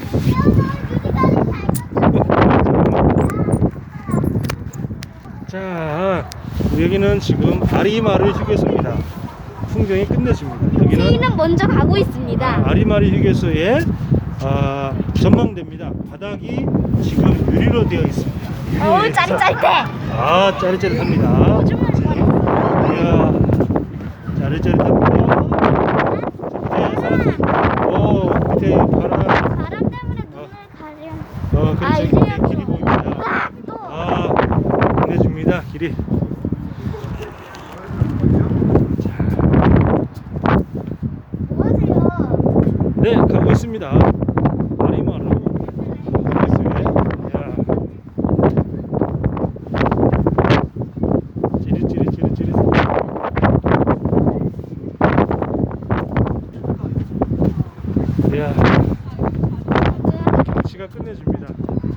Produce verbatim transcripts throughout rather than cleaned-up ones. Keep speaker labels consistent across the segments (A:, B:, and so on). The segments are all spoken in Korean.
A: 자, 여기는 지금 아리마르 휴게소입니다. 풍경이 끝내줍니다. 여기는
B: 저희는 먼저 가고 있습니다.
A: 아리마르 휴게소의 아, 전망대입니다. 바닥이 지금 유리로 되어 있습니다. 유리로
B: 어우,
A: 되어
B: 짜릿짜릿해.
A: 아, 짜릿짜릿합니다. 이야, 짜릿짜릿합니다. 밑에 사람, 오, 밑에 바람,
B: 바람 때문에 눈을 가려.
A: 어, 그렇죠.
B: 아,
A: 이렇게
B: 이제야
A: 길이 보입니다.
B: 아, 또.
A: 아, 끝내줍니다. 길이.
B: 뭐 하세요?
A: 네, 가고 있습니다. 아리마르 휴게소에. 야, 찌릿찌릿찌릿찌릿. 이야, 경치가 끝내줍니다.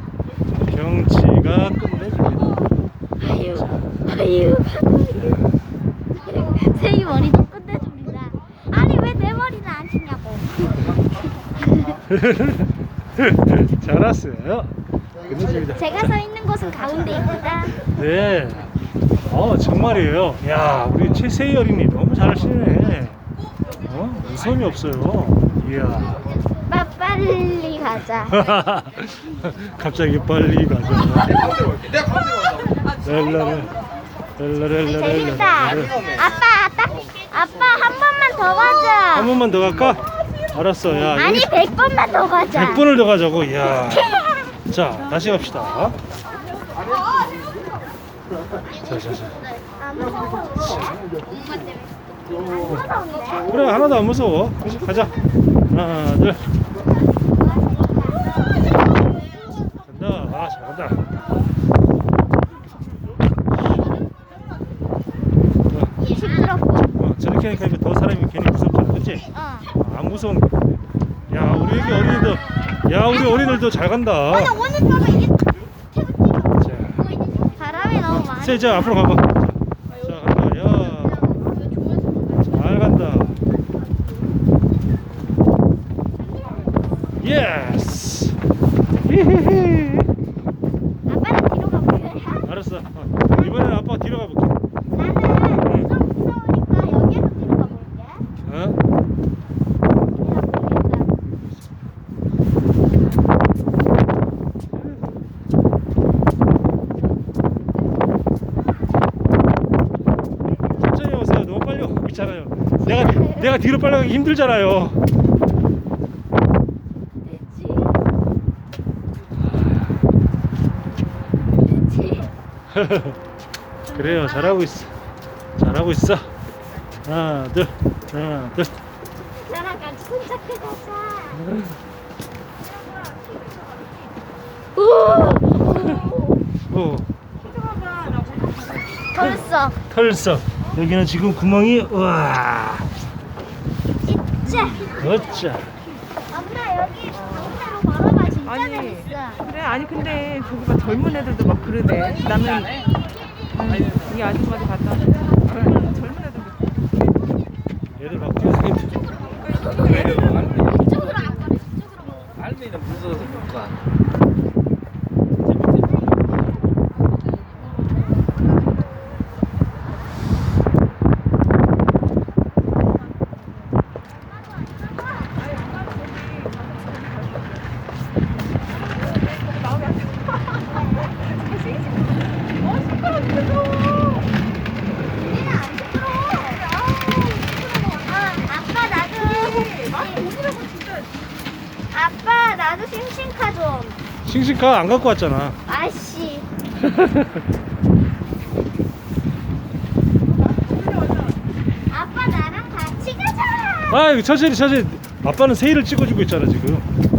A: 경치가 끝내줍니다.
B: 아유, 아유. 세이 머리도 끝내줍니다. 아니 왜 내 머리는 안 치냐고.
A: 잘 왔어요. 끝내줍니다.
B: 제가 서 있는 곳은 가운데입니다.
A: 네. 어, 정말이에요. 야, 우리 최세희 어린이 너무 잘하시네. 어, 무서움이 없어요. 이야.
B: 빠 빨리 가자.
A: 갑자기 빨리 가자. 랄라라, 랄라랄라랄라.
B: 재밌다. 아빠, 아빠, 아빠 한 번만 더 가자.
A: 한 번만 더 갈까? 알았어. 야,
B: 아니
A: 여기
B: 백 번만 더 가자.
A: 백 번을 더 가자고. 이야. 자, 다시 갑시다. 자, 자, 자.
B: 안 무서워. 안 무서운데?
A: 그래, 하나도 안 무서워. 가자. 하나, 둘. 간다. 아, 잘간다.
B: 시끄럽고.
A: 어, 저렇게 하니까 이거 더 사람이 괜히 무섭잖아, 그치?
B: 어.
A: 안 무서운 거. 야, 우리 여기 어린이들, 야, 우리 어린이들도 잘 간다.
B: 오늘 봐봐 이게
A: 자,
B: 바람이 너무 많아.
A: 세, 자, 앞으로 가봐. 자, 자, 간다. 야, 잘 간다. 예스. 히히히.
B: 아빠는 뒤로 가볼래?
A: 알았어. 어, 이번에는 아빠가 뒤로 가볼게.
B: 나는 좀 무서우니까 여기에서 뒤로 가볼게.
A: 어? 천천히 오세요. 너무 빨리 오고 있잖아요. 내가 내가 뒤로 빨리 가기 힘들잖아요.
B: 됐지? 됐지?
A: 그래요. 잘하고 있어. 잘하고 있어. 하나, 둘, 하나, 둘.
B: 나랑 같이 손잡고 가자.
A: 오,
B: 벌써
A: 털썩. 여기는 지금 구멍이 우와.
B: 진짜.
A: 어짜.
B: 엄마 여기 가운데로 걸어봐. 진짜
C: 아니.
B: 재밌어.
C: 그래 아니 근데 저기 봐 젊은 애들도 막 그러대. 나는 음, 이 아줌마도 갔다 왔는데 젊은 젊은 애들도
A: 얘들 막 뛰어다니는.
B: 이쪽으로 안 걸어. 이쪽으로.
D: 알미는 무서워서 못 가.
B: 우리는 안 시끄러워. 아, 아빠 나도. 아빠 나도 싱싱카 좀.
A: 싱싱카 안 갖고 왔잖아.
B: 아씨. 아빠 나랑 같이 가자.
A: 아, 천천히 천천히. 아빠는 세일을 찍어주고 있잖아 지금.